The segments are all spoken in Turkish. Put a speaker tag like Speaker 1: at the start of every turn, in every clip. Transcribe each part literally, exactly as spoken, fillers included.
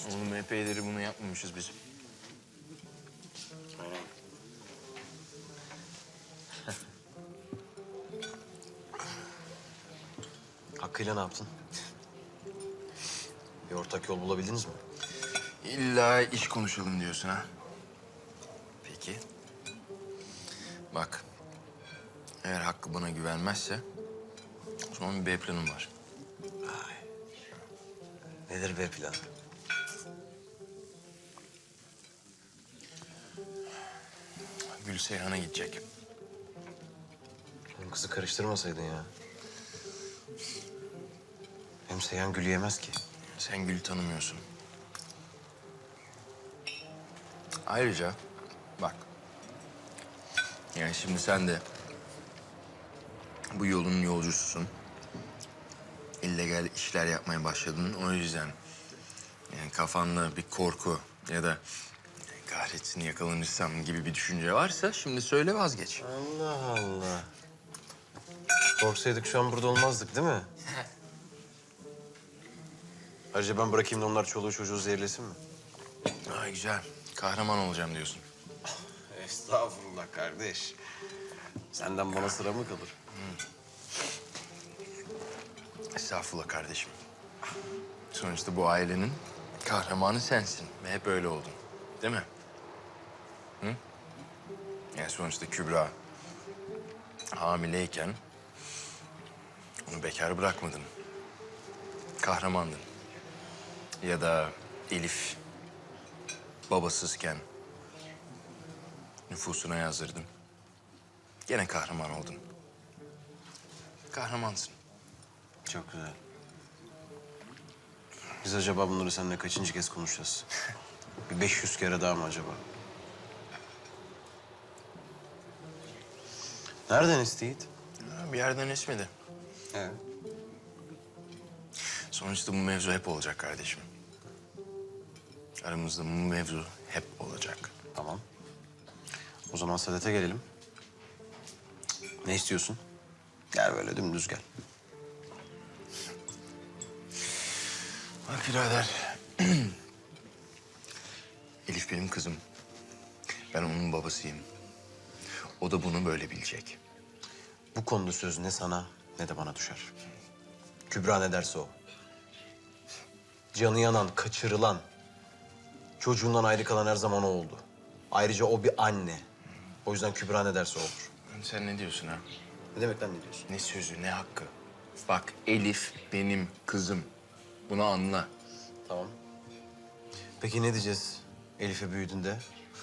Speaker 1: Oğlum epeyleri bunu yapmamışız biz.
Speaker 2: Aynen. Hakkı'yla ne yaptın? Bir ortak yol bulabildiniz mi?
Speaker 1: İlla iş konuşalım diyorsun ha. Peki. Bak. Eğer Hakkı bana güvenmezse o zaman bir B planım var.
Speaker 2: Ay. Nedir be plan?
Speaker 1: Gül Seyhan'a gidecek.
Speaker 2: Oğlum kızı karıştırmasaydın ya. Hem Seyhan Gül'ü yemez ki.
Speaker 1: Sen Gül'ü tanımıyorsun. Ayrıca bak. Yani şimdi sen de bu yolun yolcususun. İllegal işler yapmaya başladın. O yüzden yani kafanda bir korku ya da kahretsin yakalanırsam gibi bir düşünce varsa şimdi söyle vazgeç.
Speaker 2: Allah Allah. Korksaydık şu an burada olmazdık değil mi? Ayrıca ben bırakayım da onlar çoluğu çocuğu zehirlesin mi?
Speaker 1: Ay güzel. Kahraman olacağım diyorsun.
Speaker 2: Estağfurullah kardeş. Senden bana sıra mı kalır?
Speaker 1: Estağfurullah kardeşim. Sonuçta bu ailenin kahramanı sensin ve hep öyle oldun. Değil mi? Hı? Yani sonuçta Kübra hamileyken onu bekar bırakmadın. Kahramandın. Ya da Elif babasızken nüfusuna yazdırdın. Gene kahraman oldun. Kahramansın.
Speaker 2: Çok güzel. Biz acaba bunları seninle kaçıncı kez konuşacağız? Bir beş yüz kere daha mı acaba? Nereden isteyit?
Speaker 1: Ha, bir yerden esmedi.
Speaker 2: Evet.
Speaker 1: Sonuçta bu mevzu hep olacak kardeşim. Aramızda bu mevzu hep olacak.
Speaker 2: Tamam. O zaman Sadet'e gelelim. Ne istiyorsun? Gel böyle dümdüz gel.
Speaker 1: Bak birader. Elif benim kızım. Ben onun babasıyım. O da bunu böyle bilecek.
Speaker 2: Bu konuda söz ne sana ne de bana düşer. Kübra ne derse o. Canı yanan, kaçırılan, çocuğundan ayrı kalan her zaman o oldu. Ayrıca o bir anne. O yüzden Kübra ne derse o olur.
Speaker 1: Sen ne diyorsun ha?
Speaker 2: Ne demek lan ne diyorsun?
Speaker 1: Ne sözü, ne hakkı? Bak Elif benim kızım. Bunu anla.
Speaker 2: Tamam. Peki ne diyeceğiz Elif'e büyüdüğünde?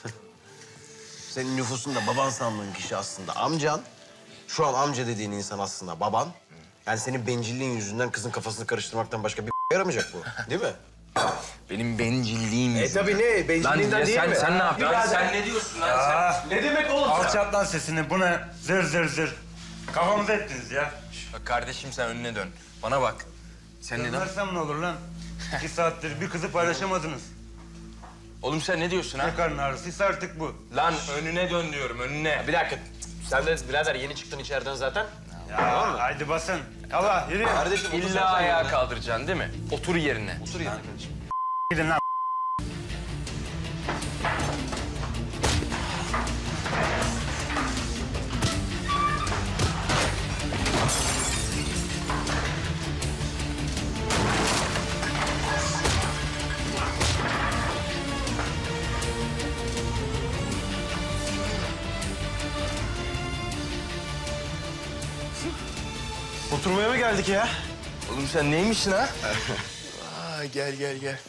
Speaker 2: Senin nüfusunda baban sandığın kişi aslında amcan. Şu an amca dediğin insan aslında baban. Yani senin bencilliğin yüzünden kızın kafasını karıştırmaktan başka bir yaramayacak bu. Değil mi?
Speaker 1: Benim bencilliğim
Speaker 2: E
Speaker 1: yüzünden.
Speaker 2: tabii ne? Bencilliğinden değil
Speaker 1: sen,
Speaker 2: mi?
Speaker 1: sen ne yapıyorsun?
Speaker 2: Birader.
Speaker 1: Sen ne diyorsun lan sen?
Speaker 2: Ne demek oğlum sen?
Speaker 3: Alçalt lan sesini. Bu ne? Zır zır zır. Kafamızı ettiniz ya.
Speaker 1: Bak kardeşim sen önüne dön. Bana bak. Sen neden?
Speaker 3: Dönersem ne olur lan? İki saattir bir kızı paylaşamadınız.
Speaker 1: Oğlum sen ne diyorsun ha?
Speaker 3: Ne karın ağrısıysa artık bu.
Speaker 1: Lan önüne dön diyorum önüne.
Speaker 2: Bir dakika. Sen de birader yeni çıktın içeriden zaten.
Speaker 3: Ya haydi basın. Allah yürü.
Speaker 2: Kardeşim otur sen
Speaker 1: İlla ayağa
Speaker 2: yerine.
Speaker 1: kaldıracaksın değil mi? Otur yerine.
Speaker 2: Otur yerine kardeşim.
Speaker 3: Gidin lan.
Speaker 2: Oturmaya mı geldik ya?
Speaker 1: Oğlum sen neymişsin ha? Aa, gel gel gel.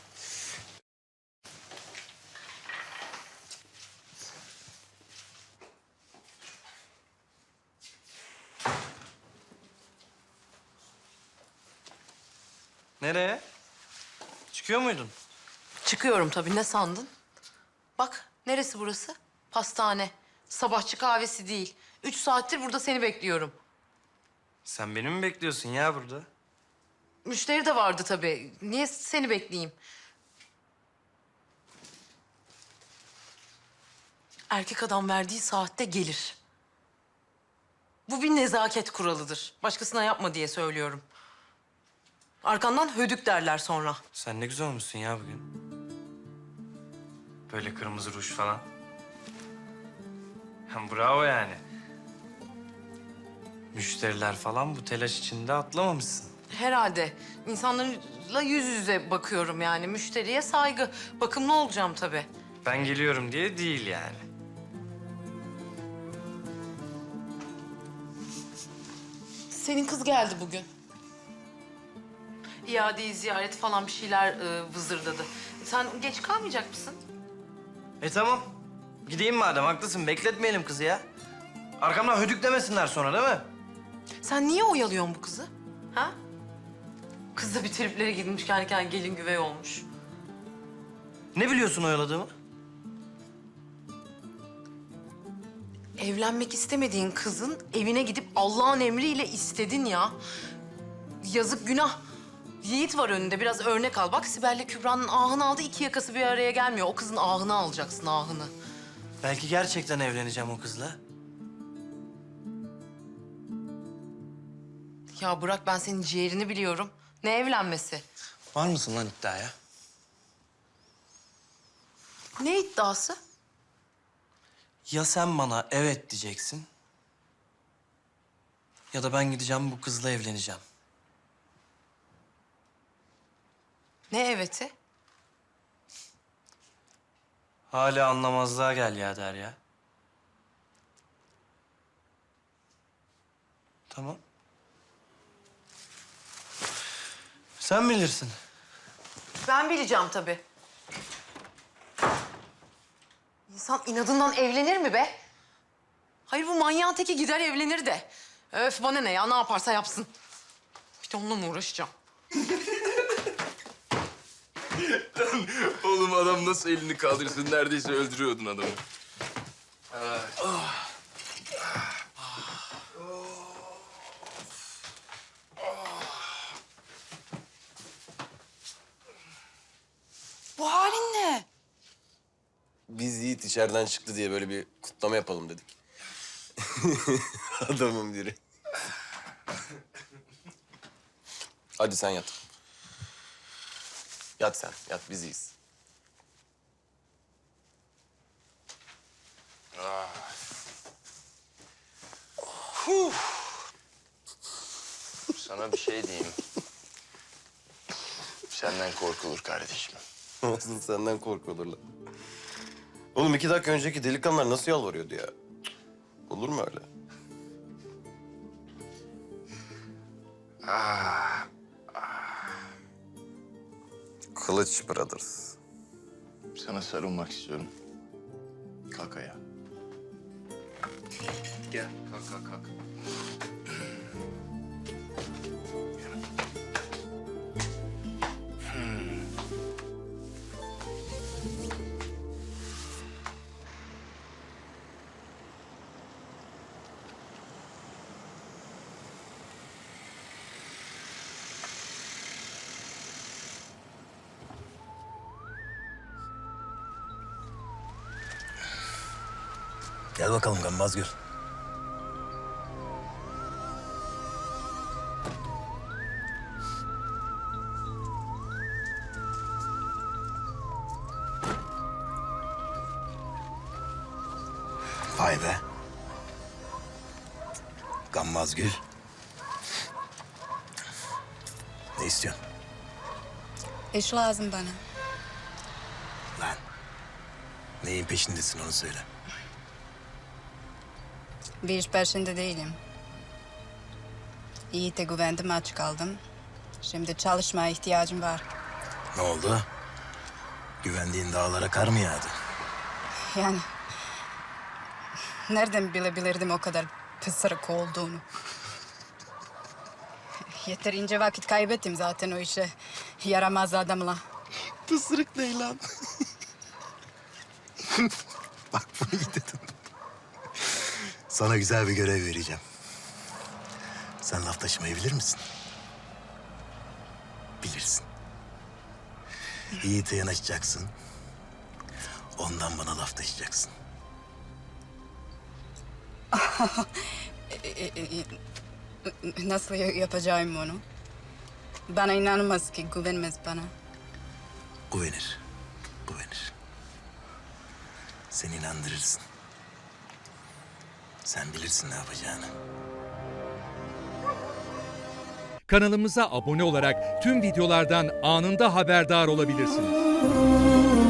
Speaker 4: Nereye? Çıkıyor muydun?
Speaker 5: Çıkıyorum tabii. Ne sandın? Bak, neresi burası? Pastane. Sabahçı kahvesi değil. Üç saattir burada seni bekliyorum.
Speaker 4: Sen beni mi bekliyorsun ya burada?
Speaker 5: Müşteri de vardı tabii. Niye seni bekleyeyim? Erkek adam verdiği saatte gelir. Bu bir nezaket kuralıdır. Başkasına yapma diye söylüyorum. Arkandan hödük derler sonra.
Speaker 4: Sen ne güzel olmuşsun ya bugün. Böyle kırmızı ruj falan. Hem bravo yani. Müşteriler falan bu telaş içinde atlamamışsın.
Speaker 5: Herhalde. İnsanlarla yüz yüze bakıyorum yani. Müşteriye saygı. Bakımlı olacağım tabii.
Speaker 4: Ben geliyorum diye değil yani.
Speaker 5: Senin kız geldi bugün. İadeyi ziyaret falan bir şeyler e, vızırdadı. Sen geç kalmayacak mısın?
Speaker 4: E tamam. Gideyim madem, haklısın. Bekletmeyelim kızı ya. Arkamdan hödük demesinler sonra değil mi?
Speaker 5: Sen niye oyalıyorsun bu kızı? Ha? Kız da bir triplere girmiş, kendi kendine gelin güvey olmuş.
Speaker 4: Ne biliyorsun oyaladığımı?
Speaker 5: Evlenmek istemediğin kızın evine gidip Allah'ın emriyle istedin ya. Yazık, günah. Yiğit var önünde, biraz örnek al. Bak Sibel'le Kübra'nın ahını aldı, iki yakası bir araya gelmiyor. O kızın ahını alacaksın, ahını.
Speaker 4: Belki gerçekten evleneceğim o kızla.
Speaker 5: Ya bırak, ben senin ciğerini biliyorum. Ne evlenmesi?
Speaker 4: Var mısın lan iddiaya?
Speaker 5: Ne iddiası?
Speaker 4: Ya sen bana evet diyeceksin... ya da ben gideceğim bu kızla evleneceğim.
Speaker 5: Ne eveti?
Speaker 4: Hala anlamazlığa gel ya Derya. Tamam. Sen bilirsin.
Speaker 5: Ben bileceğim tabii. İnsan inadından evlenir mi be? Hayır, bu manyağın teki gider evlenir de. Öf, bana ne ya, ne yaparsa yapsın. Bir de onunla mı uğraşacağım?
Speaker 1: Oğlum adam nasıl elini kaldırsın? Neredeyse öldürüyordun adamı.
Speaker 6: Bu halin ne?
Speaker 2: Biz Yiğit içeriden çıktı diye böyle bir kutlama yapalım dedik. Adamım biri. Hadi sen yat. Yat sen, yat biz iyiyiz.
Speaker 1: Sana bir şey diyeyim. Senden korkulur kardeşim.
Speaker 2: Nasıl senden korkulurlar. Oğlum iki dakika önceki delikanlılar nasıl yalvarıyordu ya? Olur mu öyle? Kılıç Brothers.
Speaker 1: Sana sarılmak istiyorum. Kalk ayağa. Gel, kalk, kalk, kalk.
Speaker 7: Gel bakalım Gammazgül. Vay be. Gammazgül. Ne istiyorsun?
Speaker 6: İş lazım bana.
Speaker 7: Lan. Neyin peşindesin onu söyle.
Speaker 6: Bir iş peşinde değilim. Yiğit'e güvendim, aç kaldım. Şimdi çalışmaya ihtiyacım var.
Speaker 7: Ne oldu? Güvendiğin dağlara kar mı yağdı?
Speaker 6: Yani... Nereden bilebilirdim o kadar pısırık olduğunu? Yeterince vakit kaybettim zaten o işe. Yaramaz adamla.
Speaker 7: Pısırık ne lan? Bak bunu iyi dedin. Sana güzel bir görev vereceğim. Sen laf taşımayı bilir misin? Bilirsin. Yiğit'e yanaşacaksın. Ondan bana laf taşıyacaksın.
Speaker 6: E, e, e, Nasıl ya- yapacağım onu? Bana inanmaz ki, güvenmez bana.
Speaker 7: Güvenir. Güvenir. Sen inandırırsın. Sen bilirsin ne yapacağını.
Speaker 8: Kanalımıza abone olarak tüm videolardan anında haberdar olabilirsiniz.